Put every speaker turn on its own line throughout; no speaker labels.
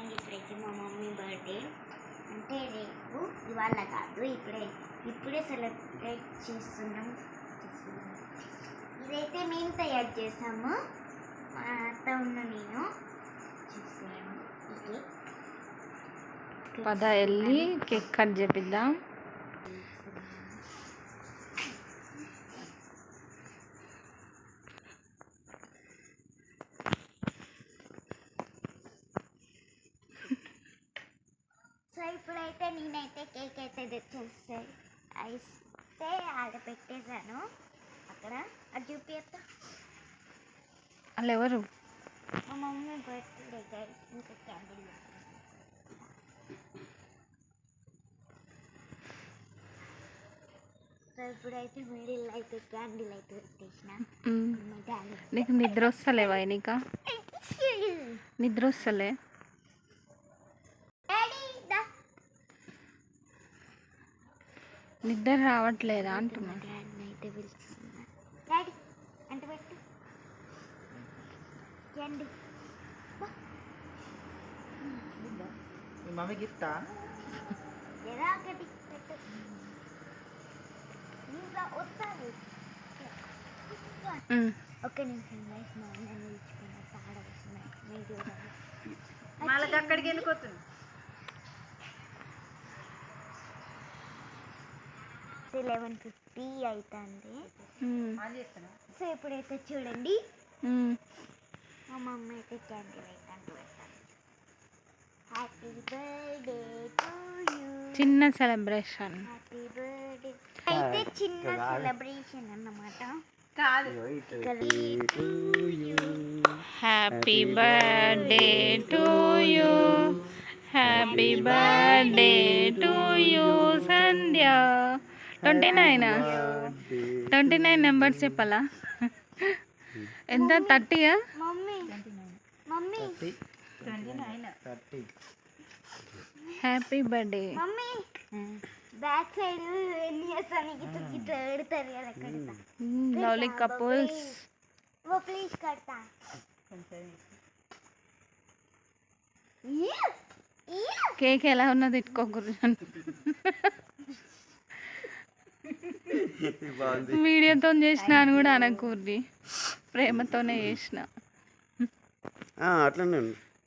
And ఇప్పుడైతే మా mummy birthday అంటే రేపు ఇవాళ కాదు ఇప్పుడే సెలబ్రేట్ చేస్తున్నాం. ఇదైతే మేము తయారు చేసాము, మా అత్త ఉన్న నేను చేస్తున్నాము.
పద వెళ్ళి కేక్ కట్ చేపిద్దాం.
సో ఇప్పుడైతే నేనైతే కేక్ అయితే తెచ్చేస్తాయి అయితే ఆడ పెట్టేశాను. అక్కడ అది చూపిస్తా.
వాళ్ళు ఎవరు?
మా మమ్మీ బర్త్డే గైస్. ఇంకా క్యాండిల్ సో ఇప్పుడైతే మిడిల్ అయితే క్యాండిల్ అయితే పెట్టేసిన.
నీకు నిద్ర వస్తలేవా? నీకా నిద్ర వస్తలే? నిద్ర రావట్లేదా అంటున్నా.
అయితే పిలుస్తున్నా. డాడీ అంటే పెట్టు క్యాండిల్.
మమ్మీ గిఫ్టా?
ఎలా ఒకటి పెట్టు. ఇంకా వస్తాను. ఒక్క నిమిషం గైస్, మా అన్నని ఇచ్చుకున్న తాడ వస్తున్నాయి.
వాళ్ళకి అక్కడికి వెళ్ళిపోతుంది.
11:50 అవుతుంది. సో ఇప్పుడైతే చూడండి, మా మమ్మీ అయితే క్యాండిల్ అయితే అంటూ పెట్టాను. Happy birthday to you.
చిన్న సెలబ్రేషన్.
హ్యాపీ బర్త్డే అయితే చిన్న సెలబ్రేషన్ అన్నమాట.
కాదు, happy birthday to you, happy birthday to you Sandhya. 29 numbers చెప్పాలా? ఎంత? 30?
Mummy
happy birthday.
Mummy back side ఎన్ని చేస్తాను ఇట్లా పెడతారు కదా కడతా.
Lovely couples.
ఓ ప్లీజ్ కడతా.
కేక్ ఎలా ఉన్నది ఇట్టుకోకూడదు. వీడియోతో చేసిన అని కూడా అనకూర్రి, ప్రేమతోనే చేసిన.
అట్లనే.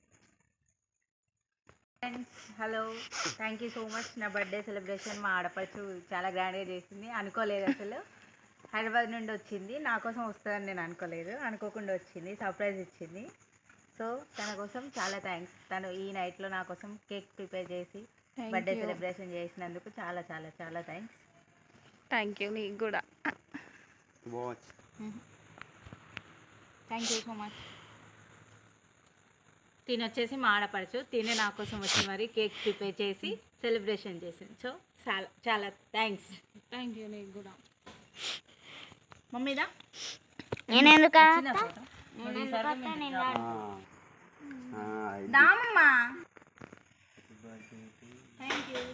Friends, hello, thank you so much. నా బర్త్డే సెలబ్రేషన్ మా ఆడపడుచు చాలా గ్రాండ్గా చేసింది. అనుకోలేదు, అసలు హైదరాబాద్ నుండి వచ్చింది. నా కోసం వస్తుందని నేను అనుకోలేదు, అనుకోకుండా వచ్చింది, సర్ప్రైజ్ ఇచ్చింది. సో తన కోసం చాలా థ్యాంక్స్. తను ఈ నైట్లో నా కోసం కేక్ ప్రిపేర్ చేసి బర్త్డే సెలబ్రేషన్ చేసినందుకు చాలా చాలా చాలా థ్యాంక్స్.
Thank you. నీకు కూడా
థ్యాంక్ యూ సో మచ్. తిని వచ్చేసి మా ఆడపడుచు, తినే నా కోసం వచ్చి మరి కేక్ ప్రిపేర్ చేసి సెలబ్రేషన్ చేసింది. సో చాలా చాలా థ్యాంక్స్.
Thank you. నీకు కూడా.
మమ్మీదా
నేనెందుకు
దామమ్మా. Thank you.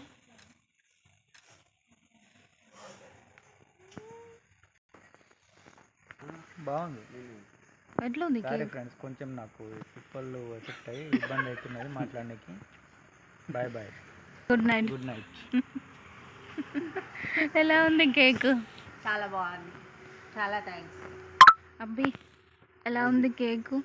బాగుంది.
ఎట్లుంది
సరే ఫ్రెండ్స్, కొంచెం నాకు పిప్పళ్ళు ఎఫెక్ట్ అయ్యి ఇబ్బంది అవుతున్నది మాట్లాడడానికి. Bye bye.
Good night.
Good night.
ఎలా ఉంది కేక్?
చాలా బాగుంది, చాలా థ్యాంక్స్.
అబ్బి ఎలా ఉంది కేకు?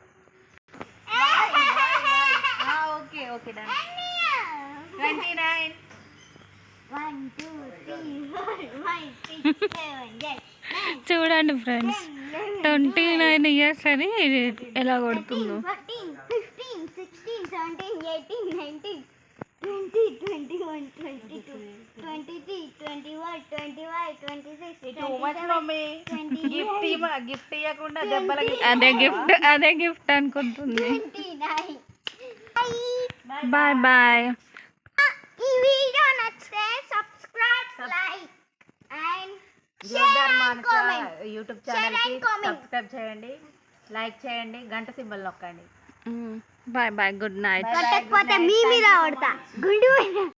Okay okay done. 29.
1 2 3 4 5 6 7 8
చూడండి ఫ్రెండ్స్, 29 ఇయర్స్ అని ఎలా కొడుతుందో.
14 15 16 17 18 19 20 21 22 23 24 25 26
టూ మచ్ మమ్మీ. గిఫ్ట్ ఇవ్వకుండా దెబ్బలకి.
అదే గిఫ్ట్ అనుకుంటుంది.
29.
Bye bye.
ఈ వీడియో నచ్చితే subscribe, like and
Jordar Manasa YouTube
Share and
ఛానల్కి
comment.
సబ్స్క్రైబ్ చేయండి, లైక్ చేయండి, గంట సింబల్ నొక్కండి.
Bye bye. Good night.
కట్టకపోతే మీ మీద పడతా గుండు.